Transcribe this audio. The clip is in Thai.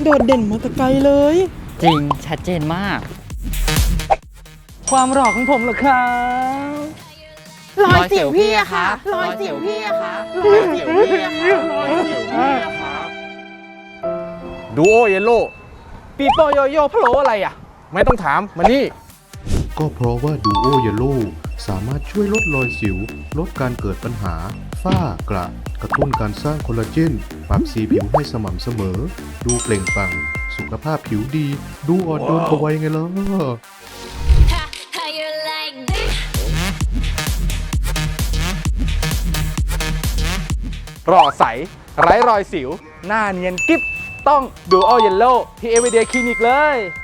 โดดเด่นมาแต่ไกลเลยจริงชัดเจนมากความหล่อของผมเหรอครับรอยสิวพี่อะค่ะรอยสิวพี่อะค่ะรอยสิวพี่อะค่ะรอยสิวพี่อะค่ะดูโอเยลโล่ปีโป้โยโย่พะโล้อะไรอ่ะไม่ต้องถามมานี่ก็เพราะว่าดูโอเยลโล่สามารถช่วยลดรอยสิว ลดการเกิดปัญหา ฝ้ากระกระตุ้นการสร้างคอลลาเจน ปรับสีผิวให้สม่ำเสมอ ดูเปล่งปลั่ง สุขภาพผิวดี ดูอ่อนโยนกว่าวัยไงล่ะ How you like this? หล่อใส ไร้รอยสิว หน้าเนียนกิ๊บ ต้องดูโอเยลโล่ที่เอเวเดียคลินิกเลย